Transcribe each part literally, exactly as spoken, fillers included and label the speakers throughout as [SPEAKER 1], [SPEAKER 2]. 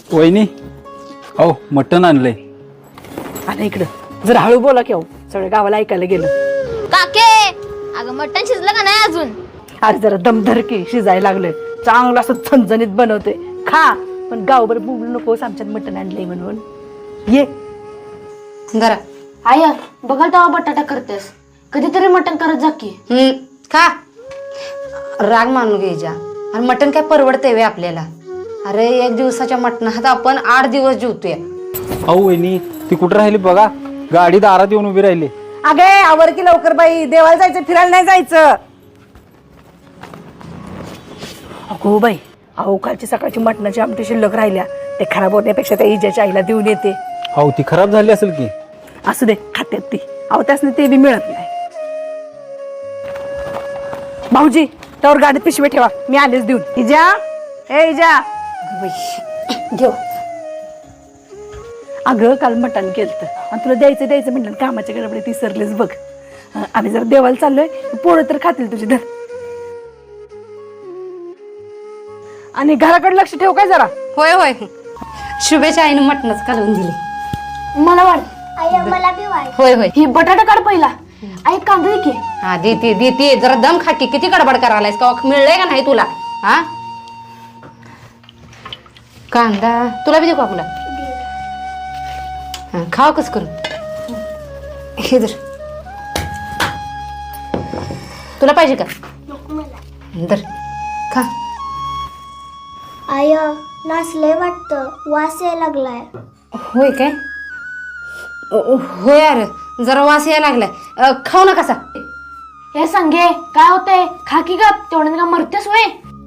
[SPEAKER 1] वहिनी हो मटण आणलंय.
[SPEAKER 2] आणि इकडं जरा हळू बोला की हो, सगळ्या गावाला ऐकायला गेलं.
[SPEAKER 3] काके अगं मटण शिजलं का नाही अजून?
[SPEAKER 2] अरे जरा दमधर की शिजायला लागले, चांगलं असं झणझणीत बनवते, खा. पण गावभर बोलू नकोस आमच्यात मटण आणलंय म्हणून. ये
[SPEAKER 4] जरा
[SPEAKER 3] आय बघाल तेव्हा बटाटा करतेस, कधीतरी मटण करत जा की.
[SPEAKER 4] हम्म खा. राग मानू घ्यायच्या. आणि मटण काय परवडते वे आपल्याला? अरे एक दिवसाच्या मटणात आपण आठ दिवस जेवतोय.
[SPEAKER 1] अहो वहिनी ती कुठं राहिली बघा, गाडी दारात येऊन उभी राहिली.
[SPEAKER 2] अगे आवर की लवकर बाई, देवाला जायचं, फिरायला नाही जायचं. अगो बाई, अहो कालची सकाळची मटणाची आमटी शिल्लक राहिल्या, ते खराब होण्यापेक्षा त्या इजाच्या आईला देऊन येते.
[SPEAKER 1] अहो ती खराब झाली असेल की.
[SPEAKER 2] असू दे, खात्यात ती. अहो त्यासने ते बी मिळत नाही. भाऊजी त्यावर गाडीत पिशवी ठेवा, मी आलेच देऊन. इजा ए इजा.
[SPEAKER 4] घेऊ.
[SPEAKER 2] अगं काल मटण केलं आणि तुला द्यायचं द्यायचं म्हटलं, कामाच्या गडबडीत विसरलेच बघ. आम्ही जरा देवाला चाललोय, पोळं तर खातील तुझी. धर. आणि घराकडे लक्ष ठेव काय जरा.
[SPEAKER 4] होय होय. शुभेच्या आईने मटणच काढून दिली.
[SPEAKER 3] मला वाढ मला बी वाढ.
[SPEAKER 4] होय होय.
[SPEAKER 3] ही बटाटा काढ पहिला. आई कांदा दे की.
[SPEAKER 4] हा देते देते. जरा दम खाकी. किती गडबड करायलायस का? मिळलंय का नाही तुला? हा कांदा तुला बी देऊ का? तुला हा खाव कस करून. हे धर. तुला पाहिजे का? धर खा.
[SPEAKER 5] आय नाचलंय वाटतं, वास यायला लागलाय.
[SPEAKER 4] होय काय? होय अरे जरा वास यायला लागलाय. खाऊ ना कसा.
[SPEAKER 3] हे सांगे काय होतंय? खा की ग, तेवढ्यानं का मरतेस वय?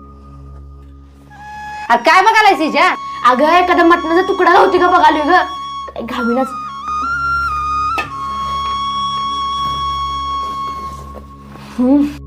[SPEAKER 4] अरे काय बघायलायस हिच्या?
[SPEAKER 3] अगं एखादा मटणाचा तुकडा होती का बघालोय ग. काय घावीनच. हम्म